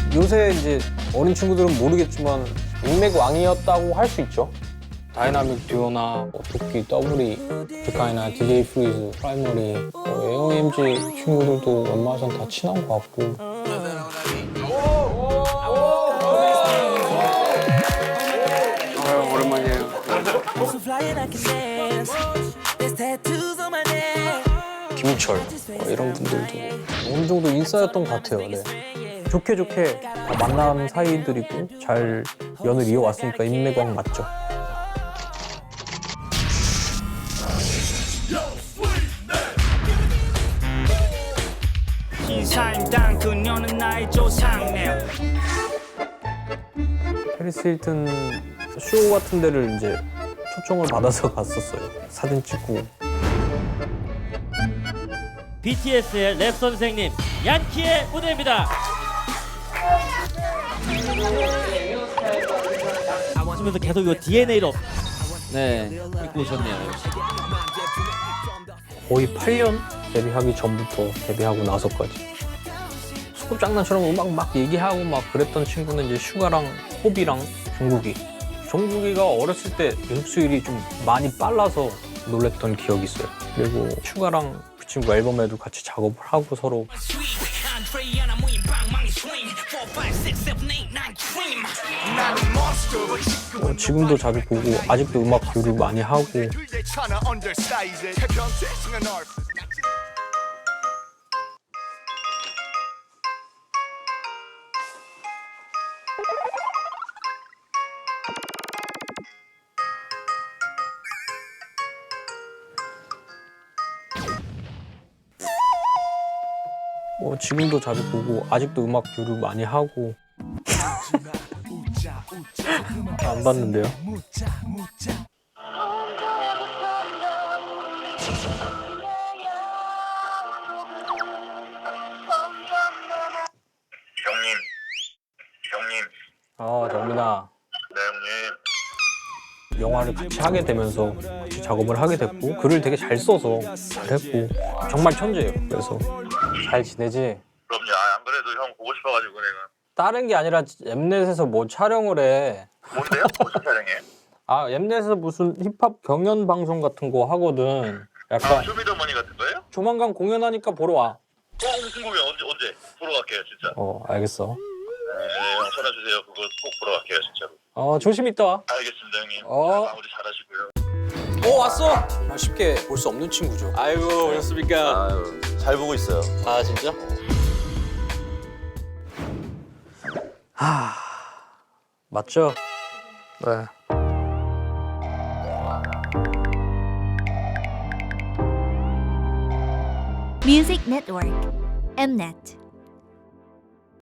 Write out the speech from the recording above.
요새 이제 어린 친구들은 모르겠지만 인맥 왕이었다고 할 수 있죠. 다이나믹 듀오나 도끼, 더블이, 비카이나 DJ 프리즈, 프라이머리, AOMG 친구들도 웬만해선 다 친한 것 같고. 오랜만이에요. 김철 이런 분들도 어느 정도 인싸였던 것 같아요. 네. 좋게 좋게 다 만난 사이들이고 잘 연을 이어왔으니까 인맥왕 맞죠. 인사임당 그녀는 나의 조상네. 페리스 힐튼 쇼 같은 데를 이제 초청을 받아서 갔었어요. 사진 찍고. BTS의 랩 선생님 얀키의 무대입니다. 하면서 계속 이 DNA로 입고 오셨네요. 거의 8년 데뷔하기 전부터 데뷔하고 나서까지 소꿉장난처럼 음악 막 얘기하고 막 그랬던 친구는 이제 슈가랑 호비랑 종국이. 종국이가 어렸을 때 연습 수율이 좀 많이 빨라서 놀랬던 기억이 있어요. 그리고 슈가랑 그 친구 앨범에도 같이 작업을 하고 서로. 지금도 자주 보고 아직도 음악 교류 많이 하고. 지금도 자주 보고 아직도 음악 교류 많이 하고. 안 봤는데요? 형님. 정민아. 네, 형님. 영화를 같이 하게 되면서 같이 작업을 하게 됐고 글을 되게 잘 써서 잘했고 정말 천재예요. 그래서 잘 지내지? 그럼요. 안 그래도 형 보고 싶어가지고 내가. 다른 게 아니라 엠넷에서 뭐 촬영을 해. 뭔데요? 무슨 촬영해? 엠넷에서 무슨 힙합 경연 방송 같은 거 하거든. 약간 쇼미더머니 같은 거예요? 조만간 공연하니까 보러 와. 무슨 공연 언제? 보러 갈게요, 진짜. 알겠어. 네, 형 전화 주세요. 그거 꼭 보러 갈게요, 진짜로. 조심히 있다 와. 알겠습니다, 형님. 마무리 잘하시고요. 왔어. 쉽게 볼 수 없는 친구죠. 아이고 오셨습니까? 아유, 잘 보고 있어요. 아 진짜? 맞죠? 네. Music Network, Mnet.